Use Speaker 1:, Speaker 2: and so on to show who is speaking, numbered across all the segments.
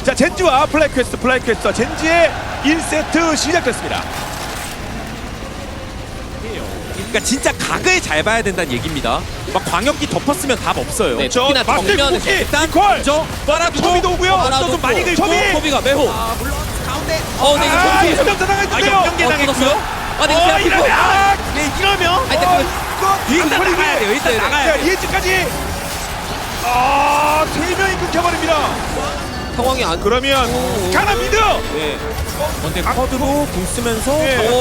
Speaker 1: 자, 젠지와 플라이퀘스트와 젠지의 1세트 시작됐습니다.
Speaker 2: 그러니까 진짜 각을 잘 봐야 된다는 얘기입니다. 막 광역기 덮었으면 답 없어요.
Speaker 3: 네,
Speaker 1: 저
Speaker 3: 특히나
Speaker 1: 마스터
Speaker 3: 정면에서
Speaker 1: 쿠키
Speaker 2: 일단
Speaker 1: 이퀄
Speaker 2: 저 빨아두고
Speaker 1: 토비도 오고요.
Speaker 3: 빨아두고
Speaker 2: 좀 많이 긁고
Speaker 1: 토비!
Speaker 3: 토비가 매호.
Speaker 2: 아 물론 가운데
Speaker 3: 네, 이거
Speaker 1: 아,
Speaker 3: 토비.
Speaker 1: 이점 당했는데요.
Speaker 2: 연계 당했고요.
Speaker 3: 아, 네, 그냥
Speaker 1: 이러면
Speaker 2: 네, 이러면
Speaker 3: 아니, 근데
Speaker 2: 일단 나가야 돼요. 일단 나가야 돼요.
Speaker 1: 예지까지 아, 3명이 끊겨버립니다.
Speaker 3: 상황이 안
Speaker 1: 그러면 가나 미드.
Speaker 2: 네. 근데 커드로 궁 쓰면서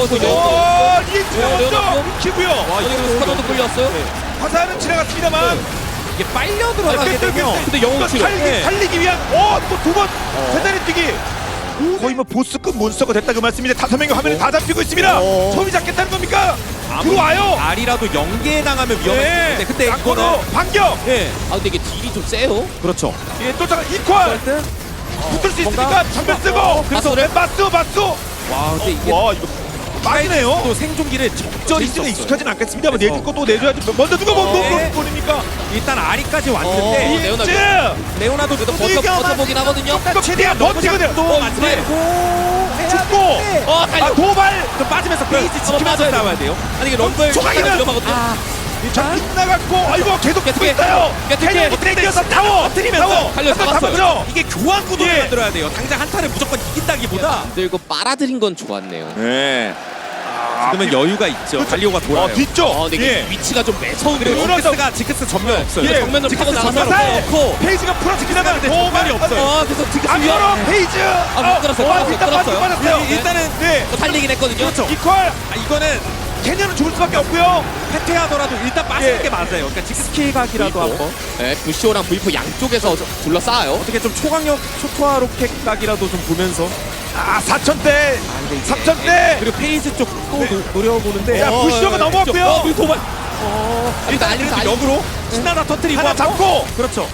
Speaker 1: 예지가
Speaker 3: 레오나
Speaker 1: 먼저 키고요.
Speaker 3: 와, 이거 스쿼드도 끌렸어요.
Speaker 1: 화살은 지나갔습니다만
Speaker 2: 이게 빨려 들어가게 되면
Speaker 3: 근데 영웅 치료.
Speaker 1: 살리기 위한 또 두 번 대단히 뛰기. 거의 뭐 보스급 몬스터가 됐다 그 말씀인데 5명이 화면에 다 잡히고 있습니다. 손이 잡겠다는 겁니까? 들어와요.
Speaker 2: 알이라도 연계에 당하면 위험할 수 있는데 근데
Speaker 1: 이거는
Speaker 2: 이거는
Speaker 1: 반격.
Speaker 2: 예
Speaker 3: 아, 근데 이게 딜이 좀 세요.
Speaker 2: 그렇죠.
Speaker 1: 예, 또 잠깐 이퀄 붙을 수 있으니까 전면 쓰고
Speaker 3: 그래서
Speaker 1: 맞수.
Speaker 2: 와 근데 이게
Speaker 1: 와 이거 빠지네요.
Speaker 2: 또 생존기를 적절히
Speaker 1: 리스는
Speaker 2: 썼어요.
Speaker 1: 익숙하진 않겠습니다만 내줄 것도 내줘야지. 먼저 누가
Speaker 2: 네.
Speaker 1: 보니까
Speaker 2: 일단 아리까지 왔는데
Speaker 3: 레오나
Speaker 1: 이즈
Speaker 2: 레오나도
Speaker 3: 그래도 버텨보긴 하거든요.
Speaker 1: 최대한 버티거든.
Speaker 2: 또 만들고
Speaker 1: 죽고
Speaker 3: 달려.
Speaker 1: 도발
Speaker 2: 좀 빠지면서 페이지 지키면서
Speaker 3: 빠져야
Speaker 2: 나와야 돼요.
Speaker 3: 아니, 이게 럼블
Speaker 1: 조각이면-
Speaker 3: 위험하거든요.
Speaker 1: 자 빗나갔고 아이고 계속 붙고
Speaker 3: 깨끗해.
Speaker 1: 있어요.
Speaker 3: 깨끗해.
Speaker 1: 캐리어 땡겨서 타워
Speaker 2: 터뜨리면서
Speaker 3: 달려 잡았어요.
Speaker 1: 잡았죠.
Speaker 2: 이게 교환 구도를
Speaker 1: 예.
Speaker 2: 만들어야 돼요. 당장 한타를 무조건 이긴다기보다
Speaker 3: 들고 빨아들인 건 좋았네요.
Speaker 2: 네. 그러면 여유가 있죠. 갈리오가 돌아요.
Speaker 1: 뒤쪽.
Speaker 3: 근데 이게 위치가 좀 매서운데요.
Speaker 2: 그리고 징크스가 징크스 전면 없어요.
Speaker 3: 예. 정면으로 파고 나가서
Speaker 2: 넣고
Speaker 1: 페이지가 풀어지기다가
Speaker 2: 도발이 없어요.
Speaker 3: 그래서 징크스
Speaker 1: 안
Speaker 3: 위험.
Speaker 1: 걸어 페이지.
Speaker 3: 못 들었어요. 못
Speaker 1: 일단
Speaker 3: 들었어요.
Speaker 1: 빠졌어요.
Speaker 2: 일단은
Speaker 1: 네.
Speaker 3: 살리긴 했거든요.
Speaker 2: 그렇죠.
Speaker 1: 이퀄
Speaker 2: 이거는
Speaker 1: 캐년은 죽을 수밖에 없고요.
Speaker 2: 패퇴하더라도 일단 빠지는
Speaker 1: 예.
Speaker 2: 게 맞아요. 그러니까 징크스 킬각이라도 한번
Speaker 3: 네, 부시오랑 V4 양쪽에서 둘러싸요.
Speaker 2: 어떻게 좀 초강력 초토화 로켓 각이라도 좀 보면서
Speaker 1: 4,000대 3,000대.
Speaker 2: 그리고 페이지 쪽 또 노려보는데
Speaker 1: 야 부시오가 넘어왔고요.
Speaker 2: 도발
Speaker 3: 일단
Speaker 2: 그래도
Speaker 3: 알리면서
Speaker 2: 역으로 신나다 터뜨리고
Speaker 1: 하나
Speaker 2: 하고.
Speaker 1: 잡고.
Speaker 2: 그렇죠.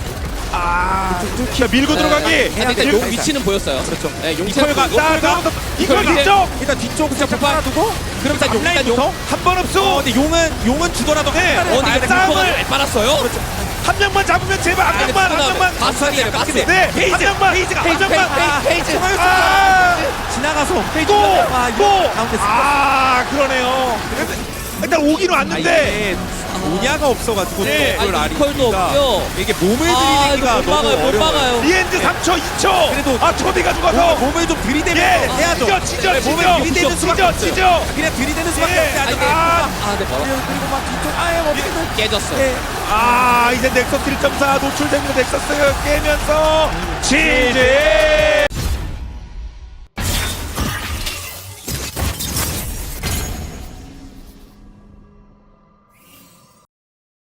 Speaker 1: 자 밀고 들어가기.
Speaker 3: 근데 용 위치는 보였어요.
Speaker 2: 그렇죠.
Speaker 3: 네, 용
Speaker 2: 이퀄가
Speaker 1: 자 이퀄
Speaker 3: 이퀄
Speaker 1: 뒤쪽.
Speaker 2: 일단 뒤쪽 그냥 빨아두고
Speaker 3: 그럼 일단 용 일단
Speaker 2: 앞라인부터
Speaker 3: 용.
Speaker 1: 한 번 없어.
Speaker 2: 근데 용은 주더라도
Speaker 1: 네.
Speaker 2: 한타를 봐야
Speaker 3: 이게
Speaker 2: 돼.
Speaker 1: 싸움을-
Speaker 3: 불퍼가 잘 빨았어요.
Speaker 1: 한 명만 잡으면 제발 한 명만 한 명만.
Speaker 3: 바스를 바스.
Speaker 1: 네, 한 명만.
Speaker 2: 페이지가
Speaker 1: 한 명만.
Speaker 3: 페이지.
Speaker 1: 아,
Speaker 2: 지나가서 페이지
Speaker 1: 또,
Speaker 2: 이거 가운데
Speaker 1: 그러네요. 일단 오기는 왔는데.
Speaker 2: 오냐가 없어가지고
Speaker 1: 네.
Speaker 2: 그걸
Speaker 3: 아니, 이퀄도
Speaker 2: 아리가
Speaker 3: 없고요.
Speaker 2: 이게 몸을
Speaker 3: 아,
Speaker 2: 들이대기가
Speaker 3: 이거 못
Speaker 2: 너무
Speaker 3: 막아요. 못
Speaker 2: 어려워요.
Speaker 3: 막아요.
Speaker 1: 리엔즈 3초, 2초.
Speaker 2: 그래도
Speaker 1: 초비가 죽어서.
Speaker 2: 몸을 좀
Speaker 1: 예,
Speaker 2: 들이대면서 해야죠.
Speaker 1: 찢어.
Speaker 2: 몸을 들이대는 수밖에 없어요.
Speaker 1: 찢어.
Speaker 2: 그냥 들이대는 수밖에
Speaker 1: 예.
Speaker 2: 없어요.
Speaker 3: 네, 멀어.
Speaker 2: 그리고 막 뒤쪽 아예 어떻게든
Speaker 3: 깨졌어요.
Speaker 1: 이제 넥서스 1.4 노출된 거 넥서스 깨면서 지지.